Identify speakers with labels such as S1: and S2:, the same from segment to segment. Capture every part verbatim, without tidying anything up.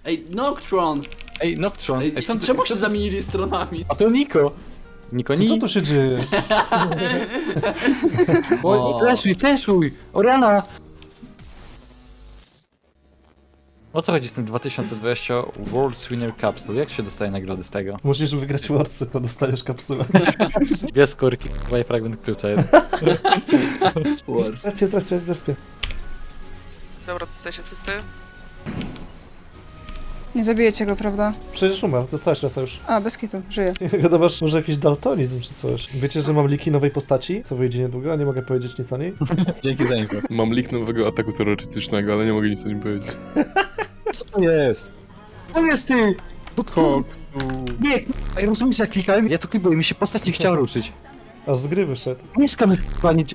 S1: Ej, Noctron!
S2: Ej, Noctron.
S1: Ej,
S2: Ej, co,
S1: czemu się
S2: co-
S1: zamienili stronami?
S2: A to Niko. Niko,
S3: Co,
S2: ni...
S3: co tu się dzieje?
S2: Oj, fleszuj, fleszuj! Oriana! O co chodzi z tym dwa tysiące dwudziestym World Winner Capsule? Jak się dostaje nagrody z tego?
S3: Musisz wygrać Worcy, to dostajesz kapsułę.
S2: Dwie skórki, dwa fragment klucza jeden.
S1: War.
S3: Zespie, zespie, zespie.
S4: Dobra, dostajesz asystę.
S5: Nie zabijecie go, prawda?
S3: Przecież umarł, dostałeś rasa już.
S5: A, bez kitu, żyje.
S3: Gadasz, może jakiś daltonizm czy coś. Wiecie, że mam liki nowej postaci, co wyjdzie niedługo, a nie mogę powiedzieć nic o niej?
S2: Dzięki za info.
S6: Mam lik nowego ataku terrorystycznego, ale nie mogę nic o nim powiedzieć.
S2: Co to jest? To jest ty!
S6: Podchok.
S2: Nie, k***a, rozumiesz jak klikałem? Ja to klikałem, mi się postać nie chciała ruszyć.
S3: Aż z gry wyszedł.
S2: Mieszkamy k***a, nie...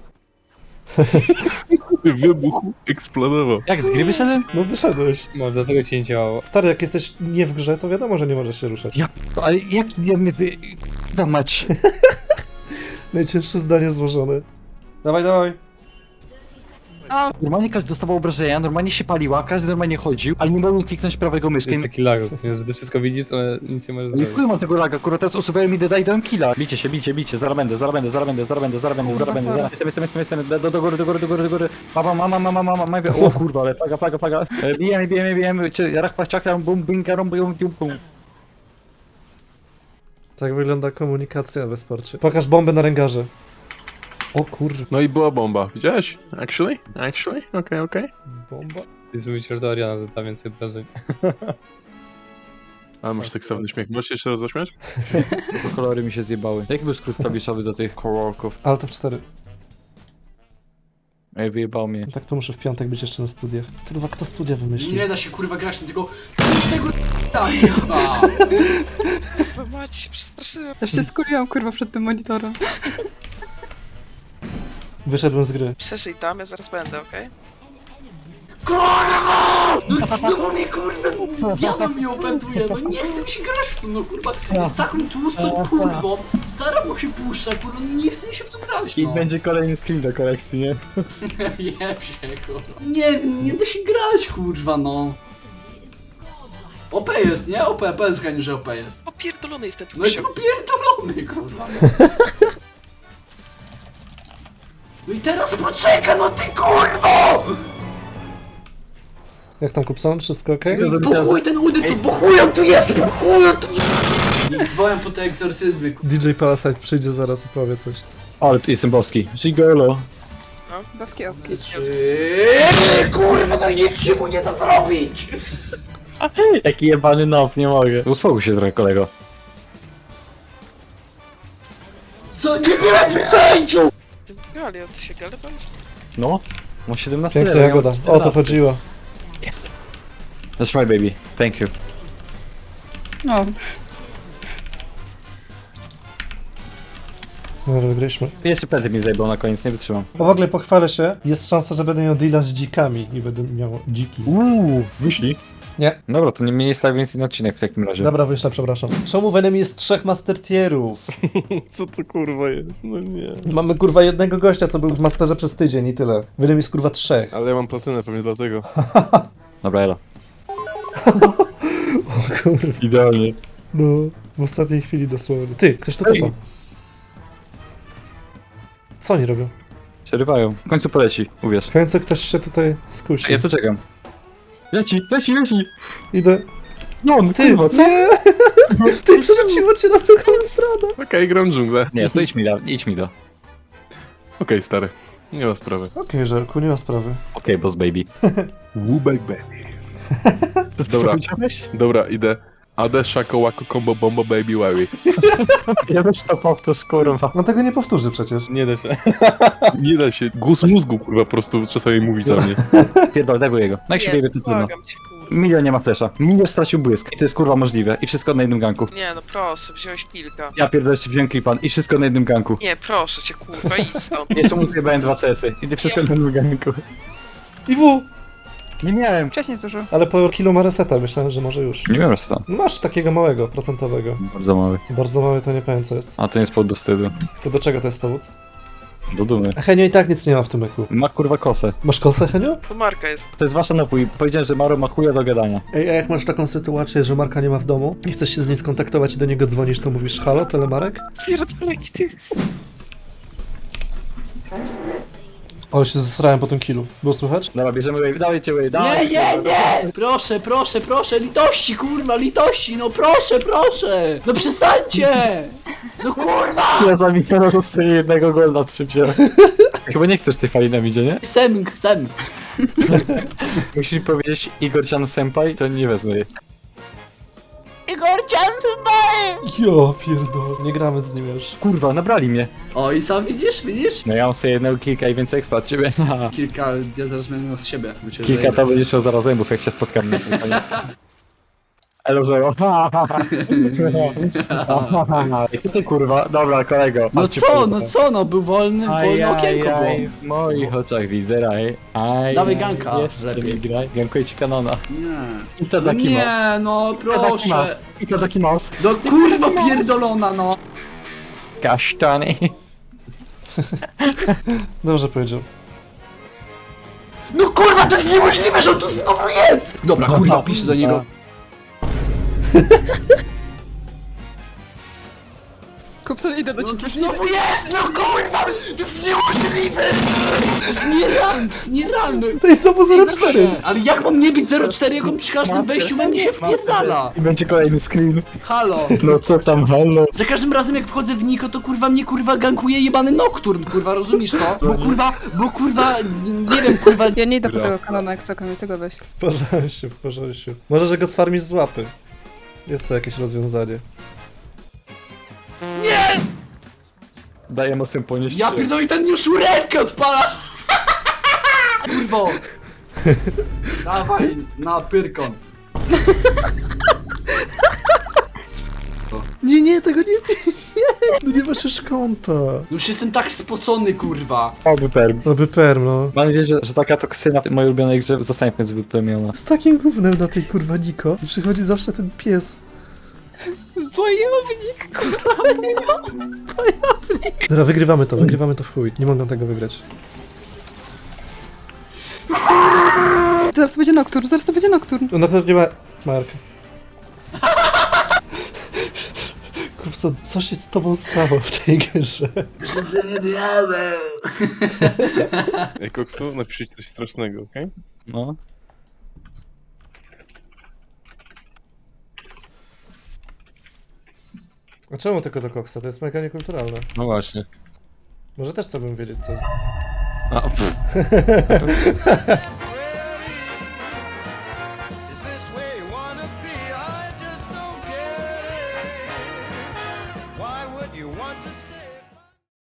S6: Wybuch eksplodował.
S2: Jak z gry wyszedłem?
S3: No wyszedłeś.
S7: Może dlatego ci nie działało.
S3: Stary, jak jesteś nie w grze, to wiadomo, że nie możesz się ruszać.
S2: Ja... Ale jak ja mnie wy... k***a mać?
S3: Najcięższe zdanie złożone. Dawaj, dawaj.
S5: A,
S2: Normalnie każdy dostawał obrażenia, normalnie się paliła, każdy normalnie chodził, ale nie mogłem kliknąć prawego myszkiem.
S7: Jest taki lag, że ty wszystko widzisz, ale nic nie możesz
S2: Nie
S7: zrobić.
S2: wpływam tego laga, akurat teraz usuwają mi deda i dałem killa. Bicie się, bicie, bicie, zaraz będę, zaraz będę, zaraz będę, zaraz będę, zaraz będę,
S5: Kurwa,
S2: zaraz będę,
S5: sorry.
S2: zaraz. Jestem, jestem, jestem, jestem, do, do góry, do góry, do góry, do góry. Mama, mama, mama, mama, mama, o kurwa, ale plaga, plaga, plaga. E, Bijemy, bijemy, bijemy, czy rach, paciaka, bum, binka, rum, bum, bum, bum.
S3: Tak wygląda komunikacja we sporcie. Pokaż bombę na ręgarze. O kurwa.
S6: No i była bomba. Widziałeś? Actually? Actually? Okej, okay, okej. Okay.
S3: Bomba.
S7: Chcesz mówić, że to Ariana zada więcej obrażeń.
S6: Ale masz seksowny śmiech. Możesz się jeszcze raz zaśmiać?
S2: Bo kolory mi się zjebały. Jaki był skrót klawiszowy do tych kolorków?
S3: Ale to w cztery.
S2: Ej, wyjebał mnie.
S3: Tak to muszę w piątek być jeszcze na studiach. Kurwa, kto studia wymyślił?
S1: Nie da się kurwa grać na tego... tego tak, chyba.
S4: Bo mać się przestraszyłem.
S5: też się skuliłam, kurwa, przed tym monitorem.
S3: Wyszedłem z gry.
S4: Przeżyj tam, ja zaraz będę, okej?
S1: Kurwa! No znowu mnie kurwa, diabeł mnie opętuje, no nie chcę mi się grać w to, no kurwa. Z taką tłustą kurwą, staram mu się puszcza, kurwa, no nie chce mi się w to grać,
S2: I
S1: no.
S2: będzie kolejny screen do kolekcji, nie?
S1: Jeb się, kurwa. Nie, nie da się grać, kurwa, no. O P jest, nie? O P, powiedz Heniu, że O P jest.
S4: Opierdolony jestem tu.
S1: No jest popierdolony, kurwa. No. No i teraz poczekaj, no ty kurwo!
S3: Jak tam Kupson? Wszystko okej?
S1: No i po chuj ten udy tu, po chuj on tu jest, po chuj on tu jest! I dzwonią po te egzorcyzmy, kurwa.
S3: D J Palasite przyjdzie zaraz i powie coś.
S2: Ale tu jestem boski. Gigolo.
S5: Boski oski.
S1: Eee, kurwa, no nic się mu nie da zrobić!
S2: Jaki jebany nob, nie mogę. Uspokój się trochę, kolego.
S1: Co, nie byłem w chęciu!
S4: Ten z Gali, ty się Gali boisz?
S2: No, mam siedemnaście
S3: Piękna
S2: level, ja mam
S3: jagoda. O to
S2: czternaście.
S3: chodziło.
S2: Jest. That's right, baby. Thank you.
S5: No,
S3: No, wygraliśmy.
S2: Jeszcze pędy mi zajebał na koniec, nie wytrzymam.
S3: O, w ogóle pochwalę się. Jest szansa, że będę miał deala z dzikami i będę miał dziki.
S2: Uuu, wyślij.
S3: Nie.
S2: Dobra, to nie mnie jest więcej na odcinek w takim razie.
S3: Dobra, wyślę, przepraszam. Czemu w enemy jest trzech master tierów?
S6: Co to kurwa jest? No nie.
S3: Mamy kurwa jednego gościa, co był w masterze przez tydzień i tyle. W enemy jest kurwa trzech.
S6: Ale ja mam platynę pewnie dlatego.
S2: Dobra, elo.
S3: O kurwa.
S2: Idealnie.
S3: No, w ostatniej chwili dosłownie. Ty, ktoś tu typa. Co oni robią?
S2: Przerywają. W końcu poleci, uwierz.
S3: W końcu ktoś się tutaj skusi.
S2: Ja tu czekam. Leci, leci, leci!
S3: Idę.
S2: No, on,
S3: Ty,
S2: kurwa, co?
S3: nie! Ty, przerzuciło cię na drugą stronę.
S6: Okej, okay, gram dżunglę.
S2: Nie, to idź mi da, idź mi do.
S6: Okej, stary. Nie ma sprawy.
S3: Okej, Żelku, nie ma sprawy.
S2: Okej, boss baby.
S6: Wubek baby. Dobra, dobra, idę. A D, Shako, Wako, Combo, Bombo, Baby, Wawy.
S2: Ja też to powtórz, kurwa.
S3: On tego nie powtórzy przecież.
S7: Nie da się.
S6: Nie da się. Głos mózgu, kurwa, po prostu czasami mówi za mnie.
S2: Pierdol, daj jego. No jak się
S4: Nie,
S2: biegnie, to trudno.
S4: błagam cię, kurwa.
S2: Milion nie ma flesza. Milion stracił błysk. I to jest kurwa możliwe. I wszystko na jednym ganku.
S4: Nie, no proszę, wziąłeś kilka.
S2: Ja pierdolę jeszcze wziąłem klipan. I wszystko na jednym ganku.
S4: Nie, proszę cię, kurwa, idź stąd.
S2: Jeszcze mu zjebałem dwa C S-y. I to wszystko na jednym ganku.
S3: I W!
S2: Nie miałem.
S5: wcześniej zużył.
S3: Ale po kilu ma reseta, myślałem, że może już.
S2: Nie miałem już co.
S3: Masz takiego małego, procentowego.
S2: Bardzo mały.
S3: Bardzo mały, to nie powiem co jest.
S2: A to nie jest powód do wstydu.
S3: To do czego to jest powód?
S2: Do dumy.
S3: A Henio i tak nic nie ma w tym eku.
S2: Ma kurwa kosę.
S3: Masz kosę, Henio?
S4: To Marka jest.
S2: To jest wasza napój. Powiedziałem, że Maro ma chuja do gadania.
S3: Ej, a jak masz taką sytuację, że Marka nie ma w domu i chcesz się z nim skontaktować i do niego dzwonisz, to mówisz halo, telemarek?
S4: Pierdolę, jaki ty jest.
S3: Ale się zesrałem po tym killu. Było słychać?
S2: Dobra, bierzemy wave, dawajcie wave,
S1: Nie,
S2: dawaj.
S1: nie, nie! Proszę, proszę, proszę, litości, kurwa, litości, no proszę, proszę! No przestańcie! No kurwa!
S2: Ja za Mikiano dostaję jednego golda, trzy wziąłem. Chyba nie chcesz tej fali na midzie, nie?
S1: Semg, semg.
S2: Musisz mi powiedzieć Igor-chan senpai, to nie wezmę jej.
S3: Jo, pierdol. Nie gramy z nim już.
S2: Kurwa, nabrali mnie.
S1: O i co, widzisz, widzisz?
S2: No ja mam sobie jednego kilka i więcej expa od ciebie.
S1: Kilka, ja zaraz będę z siebie. bo cię
S2: Kilka
S1: zajebę.
S2: to będziesz miał zaraz zębów, jak się spotkamy na tym konie. Elo, że I tutaj kurwa, dobra kolego.
S1: No
S2: mam cię
S1: co,
S2: kurwa.
S1: no co, no był wolny, wolne okienko było.
S2: Ajajaj, w moich oczach widzę raj. Aj,
S1: Dawaj ganka,
S2: jeszcze
S1: lepiej.
S2: mi graj. Gankuję ci kanona.
S1: Nie.
S2: I to
S1: No
S2: taki mouse.
S1: nie, no
S2: I to taki mouse.
S1: proszę.
S2: I to taki mouse.
S1: No kurwa pierdolona, no.
S2: Kasztany.
S3: Dobrze powiedział.
S1: No kurwa, to jest niemożliwe, że on tu znowu jest! Dobra, kurwa, piszę do niego.
S5: Kupson, idę do
S1: No
S5: ciebie.
S1: tu znowu jest! No kurwa! To jest niemożliwe! To jest nierealne, to jest nierealne.
S3: To jest znowu zero cztery.
S1: Ale jak mam nie być zero cztery, jak on przy każdym wejściu we mnie się wpierdala?
S2: I będzie kolejny screen.
S1: Halo.
S2: No co tam, halo?
S1: Za każdym razem jak wchodzę w Niko, to kurwa mnie kurwa gankuje jebany Nocturne, kurwa, rozumiesz to? Bo kurwa, bo kurwa, nie wiem, kurwa...
S5: Ja nie idę po
S6: Bra.
S5: tego kanona, jak co, Kamil, tego weź.
S3: W porządku, w porządku. Może, że go sfarmisz z łapy. Jest to jakieś rozwiązanie.
S2: Daję mocno ponieść.
S1: Ja pierdolę i ten już rękę odpala! Kurwo! Dawaj, na pyrkon.
S3: Nie, nie, tego nie nie. No nie masz już konta.
S1: Już jestem tak spocony, kurwa.
S2: Oby perm.
S3: No by perm, no.
S2: Mam nadzieję, że, że taka toksyna w mojej ulubionej grze zostanie w końcu wyplemiona.
S3: Z takim gównem na tej kurwa Niko. I przychodzi zawsze ten pies.
S5: Wojownik,
S3: Dobra, wygrywamy to, wygrywamy to w chuj. Nie mogą tego wygrać.
S5: Zaraz to będzie Nocturne, zaraz to będzie Nocturne.
S3: No nie ma... Mark. Kupson, co się z tobą stało w tej grze?
S1: Przyzemnie diabeł.
S6: Ej, Koksu, napiszcie coś strasznego, okej?
S2: No.
S3: A czemu tylko do koksa? To jest mega niekulturalne.
S2: No właśnie.
S3: Może też chcę bym wiedzieć co.
S2: A, pff.
S8: Is this where you wanna be? I just don't get it. Why would you want to stay?